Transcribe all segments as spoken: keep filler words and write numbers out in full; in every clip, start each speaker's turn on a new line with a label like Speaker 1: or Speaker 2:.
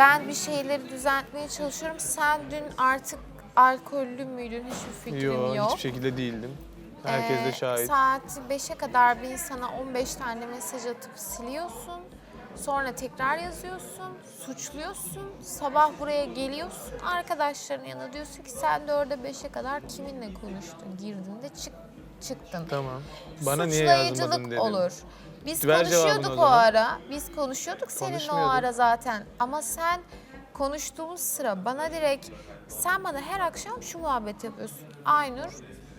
Speaker 1: ben bir şeyleri düzeltmeye çalışıyorum. Sen dün artık alkollü müydün? Hiçbir fikrim
Speaker 2: Yok,
Speaker 1: yok.
Speaker 2: hiçbir şekilde değildim. Herkes de
Speaker 1: Ee,
Speaker 2: şahit.
Speaker 1: Saat beşe kadar bir insana on beş tane mesaj atıp siliyorsun. Sonra tekrar yazıyorsun, suçluyorsun. Sabah buraya geliyorsun, arkadaşların yanına diyorsun ki sen dörde beşe kadar kiminle konuştun, girdin de çık, çıktın.
Speaker 2: Tamam. Bana niye yazmadın
Speaker 1: Suçlayıcılık
Speaker 2: dedim.
Speaker 1: olur. Biz
Speaker 2: Ver cevabını
Speaker 1: konuşuyorduk
Speaker 2: o
Speaker 1: o,
Speaker 2: zaman.
Speaker 1: ara. Biz konuşuyorduk seninle o
Speaker 2: Konuşmuyorduk.
Speaker 1: ara zaten. Ama sen konuştuğumuz sıra bana direkt sen bana her akşam şu muhabbet yapıyorsun. Aynur,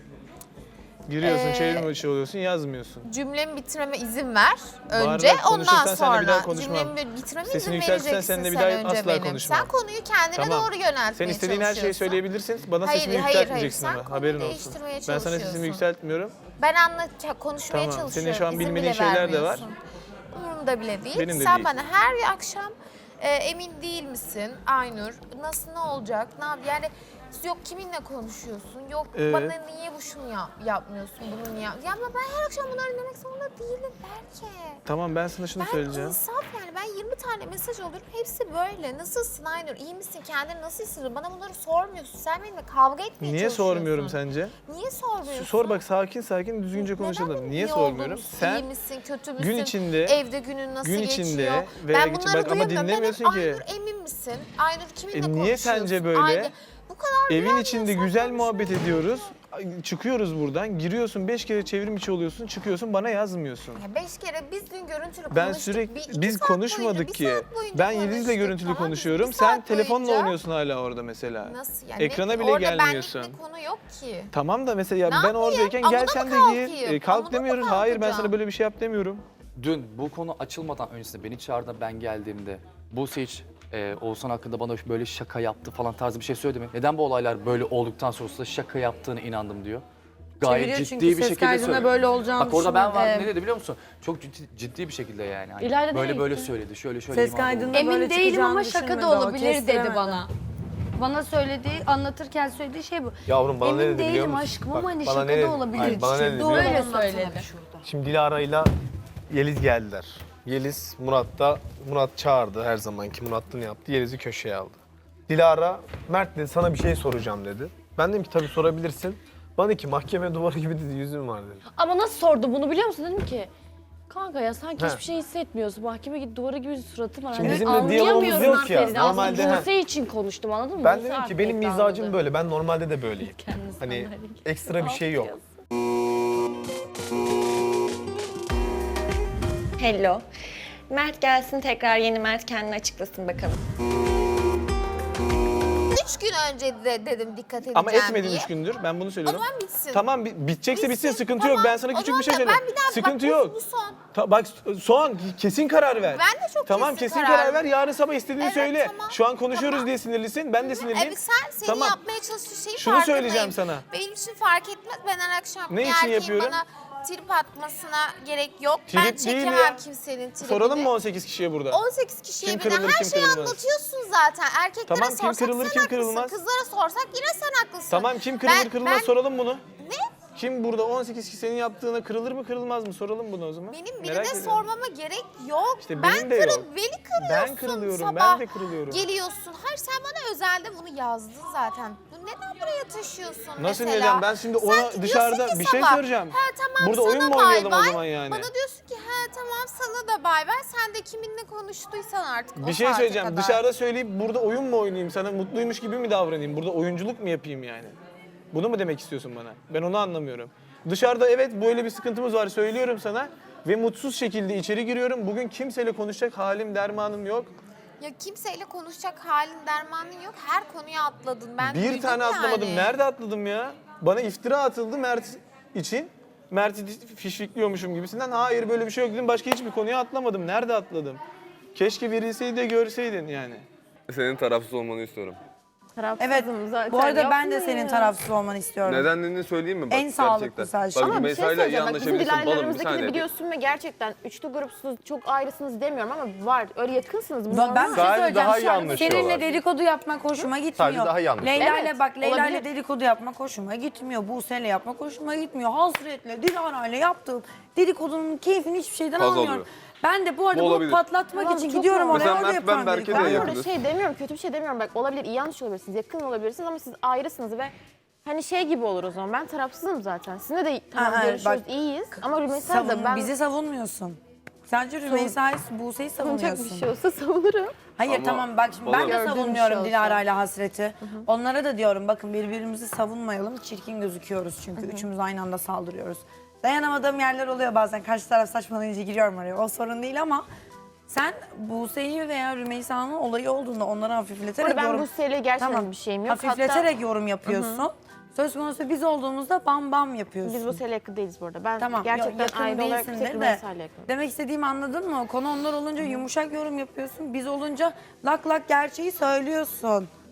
Speaker 2: Giriyorsun,
Speaker 1: Ee,
Speaker 2: çevirme içi oluyorsun, yazmıyorsun.
Speaker 1: cümlemi bitirmeme izin ver önce.
Speaker 2: Bağırarak
Speaker 1: Ondan
Speaker 2: konuşursan seninle bir daha
Speaker 1: sonra
Speaker 2: konuşmam.
Speaker 1: cümlemi bitirmeme
Speaker 2: Sesini
Speaker 1: izin
Speaker 2: yükseltirsen
Speaker 1: vereceksin
Speaker 2: seninle bir
Speaker 1: sen
Speaker 2: daha
Speaker 1: önce
Speaker 2: asla
Speaker 1: benim.
Speaker 2: konuşmam.
Speaker 1: Sen konuyu kendine
Speaker 2: Tamam.
Speaker 1: doğru yöneltmeye
Speaker 2: Sen istediğin her şeyi
Speaker 1: çalışıyorsun.
Speaker 2: söyleyebilirsin. Bana
Speaker 1: Hayır,
Speaker 2: sesini
Speaker 1: hayır,
Speaker 2: yükseltmeyeceksin
Speaker 1: hayır. Sen
Speaker 2: ama
Speaker 1: konuyu
Speaker 2: haberin olsun.
Speaker 1: değiştirmeye
Speaker 2: Ben sana sesimi
Speaker 1: çalışıyorsun.
Speaker 2: yükseltmiyorum.
Speaker 1: Ben anlat, konuşmaya
Speaker 2: Tamam,
Speaker 1: çalışıyorum.
Speaker 2: senin şu an
Speaker 1: İzin
Speaker 2: bilmediğin
Speaker 1: bile
Speaker 2: şeyler de var.
Speaker 1: vermiyorsun. Umurumda bile değil.
Speaker 2: Benim de
Speaker 1: Sen
Speaker 2: değil.
Speaker 1: bana her bir akşam e, emin değil misin Aynur? Nasıl, ne olacak? Ne yap? Yani yok kiminle konuşuyorsun? Yok
Speaker 2: Evet.
Speaker 1: bana niye bu şunu yap, yapmıyorsun? Bunu niye yap? Ya ama ben her akşam bunları dinlemek zorunda değilim belki.
Speaker 2: Tamam, ben sana şunu
Speaker 1: Ben
Speaker 2: söyleyeceğim.
Speaker 1: insaf yani. Ben yirmi tane mesaj alıyorum. Hepsi böyle. Nasılsın Aynur? İyi misin? Kendini nasıl hissediyorsun? Bana bunları sormuyorsun. Sen benimle kavga etmeye
Speaker 2: Niye
Speaker 1: çalışıyorsun.
Speaker 2: sormuyorum sence?
Speaker 1: Niye sormuyorsun?
Speaker 2: Sor bak, sakin sakin düzgünce
Speaker 1: Neden
Speaker 2: konuşalım.
Speaker 1: benim
Speaker 2: Niye
Speaker 1: iyi
Speaker 2: sormuyorum?
Speaker 1: olduğumu,
Speaker 2: Sen
Speaker 1: iyi misin, kötü müsün?
Speaker 2: gün içinde
Speaker 1: Evde günün nasıl
Speaker 2: gün
Speaker 1: geçiyor?
Speaker 2: içinde veya
Speaker 1: Ben
Speaker 2: geç-
Speaker 1: bunları
Speaker 2: bak ama
Speaker 1: duyamıyorum.
Speaker 2: dinlemiyorsun
Speaker 1: Ben
Speaker 2: ki.
Speaker 1: hep, Aynur emin misin? Aynur kiminle
Speaker 2: E niye
Speaker 1: konuşuyorsun?
Speaker 2: sence böyle?
Speaker 1: Aynı. Bu kadar
Speaker 2: evin
Speaker 1: bilen
Speaker 2: içinde
Speaker 1: insan
Speaker 2: güzel
Speaker 1: konuşuyor.
Speaker 2: muhabbet ediyoruz. Çıkıyoruz buradan, giriyorsun, beş kere çevrim içi oluyorsun, çıkıyorsun, bana yazmıyorsun.
Speaker 1: Ya beş kere biz dün görüntülü
Speaker 2: Ben
Speaker 1: konuştuk.
Speaker 2: sürekli
Speaker 1: Bir, iki
Speaker 2: biz
Speaker 1: saat
Speaker 2: konuşmadık
Speaker 1: boyunca,
Speaker 2: ki.
Speaker 1: bir saat boyunca
Speaker 2: Ben Yeliz'le
Speaker 1: konuştuk,
Speaker 2: görüntülü
Speaker 1: tamam mı?
Speaker 2: konuşuyorum.
Speaker 1: Bir
Speaker 2: Sen
Speaker 1: saat
Speaker 2: telefonla
Speaker 1: boyunca-
Speaker 2: oynuyorsun hala orada mesela.
Speaker 1: Nasıl yani?
Speaker 2: Ekrana
Speaker 1: Ne-
Speaker 2: bile
Speaker 1: orada
Speaker 2: gelmiyorsun.
Speaker 1: benlik bir konu yok ki.
Speaker 2: Tamam da mesela ya
Speaker 1: Ne
Speaker 2: ben
Speaker 1: yapayım?
Speaker 2: oradayken
Speaker 1: Amuda
Speaker 2: gel
Speaker 1: mı
Speaker 2: sen de
Speaker 1: kalkayım?
Speaker 2: gir. E,
Speaker 1: Amuda
Speaker 2: kalk
Speaker 1: mı
Speaker 2: demiyoruz. Hayır, ben sana
Speaker 1: kalkacağım?
Speaker 2: böyle bir şey yap demiyorum.
Speaker 3: Dün bu konu açılmadan öncesinde beni çağırdı, ben geldiğimde Buse hiç e, Oğuzhan hakkında bana böyle şaka yaptı falan tarzı bir şey söyledi mi? Neden bu olaylar böyle olduktan sonra da şaka yaptığını inandım diyor. Gayet
Speaker 4: Çeviriyor
Speaker 3: ciddi
Speaker 4: çünkü
Speaker 3: bir
Speaker 4: ses
Speaker 3: şekilde
Speaker 4: kaydında
Speaker 3: söyledi.
Speaker 4: böyle olacağını
Speaker 3: Bak orada ben
Speaker 4: düşünüyorum.
Speaker 3: vardım,
Speaker 4: Ee,
Speaker 3: ne dedi biliyor musun? Çok ciddi, ciddi bir şekilde yani. Hani
Speaker 5: İlayda
Speaker 3: böyle
Speaker 5: nereye
Speaker 3: böyle
Speaker 5: gitti?
Speaker 3: söyledi, şöyle şöyle
Speaker 4: Ses
Speaker 3: imalı oldu.
Speaker 4: kaydında
Speaker 5: Emin
Speaker 4: böyle
Speaker 5: değilim
Speaker 4: çıkacağını
Speaker 5: ama şaka
Speaker 4: düşünmedi
Speaker 5: da
Speaker 4: o,
Speaker 5: olabilir dedi
Speaker 4: kestiremedi.
Speaker 5: bana. Bana söylediği, anlatırken söylediği şey bu.
Speaker 6: Yavrum bana
Speaker 5: Emin
Speaker 6: ne dedi biliyor
Speaker 5: değilim
Speaker 6: musun?
Speaker 5: aşkım
Speaker 6: Bak,
Speaker 5: ama hani
Speaker 6: bana
Speaker 5: şaka
Speaker 6: ne dedi?
Speaker 5: da olabilir.
Speaker 6: Hayır, bana ne dedi biliyor
Speaker 5: Böyle
Speaker 6: musun?
Speaker 5: söyledi.
Speaker 6: Şimdi Dilara'yla Yeliz geldiler. Yeliz Murat da Murat çağırdı her zamanki Murat'ını yaptı. Yeliz'i köşeye aldı. Dilara Mert dedi sana bir şey soracağım dedi. Ben dedim ki tabii sorabilirsin. Bana dedi ki mahkeme duvarı gibi dedi yüzüm var dedi.
Speaker 5: Ama nasıl sordu bunu biliyor musun? Dedim ki kanka ya sanki
Speaker 6: He.
Speaker 5: hiçbir şey hissetmiyorsun. Mahkeme gibi duvara gibi bir suratın var.
Speaker 6: Şimdi
Speaker 5: Hani
Speaker 6: bizim de diyalogumuz
Speaker 5: anlayamıyorum
Speaker 6: yok ya.
Speaker 5: Feride.
Speaker 6: Normalde,
Speaker 5: Aslında
Speaker 6: he.
Speaker 5: Buse için konuştum anladın mı?
Speaker 6: Ben
Speaker 5: Buse
Speaker 6: dedim
Speaker 5: artık
Speaker 6: ki benim
Speaker 5: pek
Speaker 6: mizacım
Speaker 5: anladı.
Speaker 6: böyle. Ben normalde de böyleyim.
Speaker 5: Kendisi
Speaker 6: Hani
Speaker 5: anlar.
Speaker 6: ekstra bir şey yok.
Speaker 7: Hello. Mert gelsin tekrar, yeni Mert kendini açıklasın bakalım.
Speaker 1: Üç gün önce de dedim dikkat edeceğim
Speaker 2: Ama etmedin
Speaker 1: diye.
Speaker 2: üç gündür. Ben bunu
Speaker 1: O
Speaker 2: söylüyorum.
Speaker 1: zaman bitsin.
Speaker 2: Tamam, bi- bitecekse bitsin,
Speaker 1: Bitsin,
Speaker 2: sıkıntı
Speaker 1: tamam.
Speaker 2: yok. Ben sana
Speaker 1: O
Speaker 2: küçük
Speaker 1: zaman
Speaker 2: bir şey
Speaker 1: da
Speaker 2: söyleyeyim.
Speaker 1: ben bir daha-
Speaker 2: Sıkıntı
Speaker 1: bak, bu-
Speaker 2: yok.
Speaker 1: bu son.
Speaker 2: Ta- bak son kesin karar ver.
Speaker 1: Ben de çok
Speaker 2: Tamam,
Speaker 1: kesin
Speaker 2: kesin
Speaker 1: karar
Speaker 2: karar ver. Yarın sabah istediğini
Speaker 1: Evet,
Speaker 2: söyle.
Speaker 1: tamam.
Speaker 2: Şu an konuşuyoruz
Speaker 1: Tamam.
Speaker 2: diye sinirlisin. Ben de sinirliyim.
Speaker 1: Evet sen senin
Speaker 2: Tamam.
Speaker 1: yapmaya çalıştığın şeyi
Speaker 2: Şunu
Speaker 1: farkındayım.
Speaker 2: söyleyeceğim sana.
Speaker 1: Benim için fark etmez. Ben her akşam
Speaker 2: Ne
Speaker 1: bir
Speaker 2: için
Speaker 1: erkeğin
Speaker 2: yapıyorum?
Speaker 1: bana trip atmasına gerek yok. ben
Speaker 2: Trip değil
Speaker 1: çekemem
Speaker 2: ya.
Speaker 1: kimsenin tripini.
Speaker 2: Soralım mı on sekiz kişiye burada?
Speaker 1: on sekiz kişiye
Speaker 2: Kim
Speaker 1: bir de
Speaker 2: kırılır,
Speaker 1: her
Speaker 2: kim
Speaker 1: şeyi
Speaker 2: kırılmaz?
Speaker 1: anlatıyorsun zaten. Erkeklere
Speaker 2: Tamam, kim
Speaker 1: sorsak
Speaker 2: kırılır,
Speaker 1: sen
Speaker 2: kim
Speaker 1: haklısın.
Speaker 2: kırılmaz?
Speaker 1: Kızlara sorsak yine sen haklısın.
Speaker 2: Tamam, kim kırılır
Speaker 1: Ben-
Speaker 2: kırılmaz
Speaker 1: ben-
Speaker 2: soralım bunu.
Speaker 1: Ne?
Speaker 2: Kim burada on sekiz kişi senin yaptığına kırılır mı kırılmaz mı soralım bunu o zaman.
Speaker 1: Benim
Speaker 2: Merak
Speaker 1: birine
Speaker 2: ediyorum.
Speaker 1: sormama gerek yok.
Speaker 2: İşte
Speaker 1: ben
Speaker 2: benim de
Speaker 1: kırıl,
Speaker 2: yok.
Speaker 1: Beni kırıyorsun
Speaker 2: Ben kırılıyorum,
Speaker 1: sabah.
Speaker 2: ben de kırılıyorum.
Speaker 1: Geliyorsun. Hayır sen bana özelde bunu yazdın zaten. Bu neden buraya taşıyorsun
Speaker 2: Nasıl
Speaker 1: mesela?
Speaker 2: neden? Ben şimdi ona
Speaker 1: Sanki
Speaker 2: dışarıda
Speaker 1: diyorsun ki
Speaker 2: bir şey
Speaker 1: sabah,
Speaker 2: soracağım.
Speaker 1: He tamam
Speaker 2: Burada
Speaker 1: sana
Speaker 2: oyun mu
Speaker 1: bay
Speaker 2: oynayalım o
Speaker 1: bay.
Speaker 2: zaman yani?
Speaker 1: Bana diyorsun ki he tamam sana da bay bay. Sen de kiminle konuştuysan artık o
Speaker 2: Bir şey
Speaker 1: saate
Speaker 2: söyleyeceğim.
Speaker 1: kadar.
Speaker 2: Dışarıda söyleyip burada oyun mu oynayayım? Sana mutluymuş gibi mi davranayım? Burada oyunculuk mu yapayım yani? Bunu mu demek istiyorsun bana? Ben onu anlamıyorum. Dışarıda evet böyle bir sıkıntımız var söylüyorum sana. Ve mutsuz şekilde içeri giriyorum. Bugün kimseyle konuşacak halim, dermanım yok.
Speaker 1: Ya kimseyle konuşacak halin dermanın yok. Her konuya atladın. Ben
Speaker 2: Bir
Speaker 1: duydum
Speaker 2: tane
Speaker 1: yani.
Speaker 2: atlamadım. Nerede atladım ya? Bana iftira atıldı Mert için. Mert'i fişfikliyormuşum gibisinden. Hayır böyle bir şey yok dedim. Başka hiçbir konuya atlamadım. Nerede atladım? Keşke verilseydi de görseydin yani.
Speaker 8: Senin tarafsız olmanı istiyorum.
Speaker 4: Evet, bu arada ben de senin tarafsız olmanı istiyorum.
Speaker 8: Nedenlerini söyleyeyim mi? Bak,
Speaker 4: En sağlıklısı her şey.
Speaker 8: Bak,
Speaker 4: Ama
Speaker 5: Ama bir şey
Speaker 8: Rümeysa'yla iyi
Speaker 5: söyleyeceğim. Bak bizim
Speaker 8: anlaşabilirsin.
Speaker 5: Dilara'yla
Speaker 8: Balım bir
Speaker 5: aramızdaki de
Speaker 8: saniye.
Speaker 5: biliyorsun ve gerçekten üçlü grupsunuz, çok ayrısınız demiyorum ama var. Öyle yakınsınız. Bu
Speaker 4: Ben
Speaker 5: normal.
Speaker 4: bir şey
Speaker 8: Sadece
Speaker 4: söyleyeceğim.
Speaker 8: daha iyi
Speaker 4: Şu an
Speaker 8: anlaşıyorlar.
Speaker 4: Seninle dedikodu yapmak hoşuma gitmiyor.
Speaker 8: Sadece daha iyi anlaşıyorlar.
Speaker 4: Leyla ile
Speaker 5: Evet,
Speaker 4: bak Leyla ile
Speaker 5: olabilir.
Speaker 4: dedikodu yapmak hoşuma gitmiyor. Buse'yle yapmak hoşuma gitmiyor. Hasretle Dilara ile yaptığım dedikodunun keyfini hiçbir şeyden
Speaker 8: Haz
Speaker 4: almıyorum.
Speaker 8: alıyorum.
Speaker 4: Ben de bu arada
Speaker 8: Bu
Speaker 4: bunu
Speaker 8: olabilir.
Speaker 4: patlatmak
Speaker 5: Tamam,
Speaker 4: için
Speaker 5: çok
Speaker 4: gidiyorum
Speaker 5: normal.
Speaker 4: oraya
Speaker 8: Mesela
Speaker 4: orada
Speaker 8: Mert,
Speaker 4: yapıyorum.
Speaker 8: ben Berke
Speaker 4: dedikodu.
Speaker 8: de
Speaker 5: Ben
Speaker 8: yakın.
Speaker 5: burada şey demiyorum, kötü bir şey demiyorum. Bak olabilir, iyi yanlış olabilirsiniz, yakın olabilirsiniz ama siz ayrısınız ve hani şey gibi olur o zaman. Ben tarafsızım zaten. Sizinle de tamam
Speaker 4: Ha, evet,
Speaker 5: görüşüyoruz,
Speaker 4: bak-
Speaker 5: iyiyiz ama Rümeysa
Speaker 4: Savun,
Speaker 5: da ben
Speaker 4: bizi savunmuyorsun. Sadece Rümeysa'yı, Buse'yi
Speaker 5: savunacak bir
Speaker 4: savunuyorsun.
Speaker 5: şey olsa savunurum.
Speaker 4: Hayır
Speaker 8: Ama
Speaker 4: tamam bak şimdi ben
Speaker 8: bana-
Speaker 4: de
Speaker 5: Gördüğüm bir şey
Speaker 4: savunmuyorum
Speaker 5: olsa.
Speaker 4: Dilara ile Hasret'i. Onlara da diyorum bakın birbirimizi savunmayalım. Çirkin gözüküyoruz çünkü üçümüz aynı anda saldırıyoruz. Dayanamadığım yerler oluyor bazen. Karşı taraf saçmalayınca giriyorum oraya. O sorun değil ama sen Buse'yi veya Rümeysa'nın olayı olduğunda onları hafifleterek
Speaker 5: Ama ben
Speaker 4: yorum...
Speaker 5: bu seriyle gerçekten
Speaker 4: Tamam.
Speaker 5: bir şeyim yok.
Speaker 4: Hafifleterek yorum yapıyorsun. Söz konusu biz olduğumuzda bam bam yapıyorsun.
Speaker 5: Biz bu seriyle yakın değiliz bu arada. Ben
Speaker 4: Tamam,
Speaker 5: gerçekten
Speaker 4: yakın
Speaker 5: aile olarak
Speaker 4: değilsindir
Speaker 5: tek
Speaker 4: de.
Speaker 5: Rümeysa ile yakınım.
Speaker 4: Demek istediğimi anladın mı? Konu onlar olunca yumuşak yorum yapıyorsun. Biz olunca lak lak gerçeği söylüyorsun.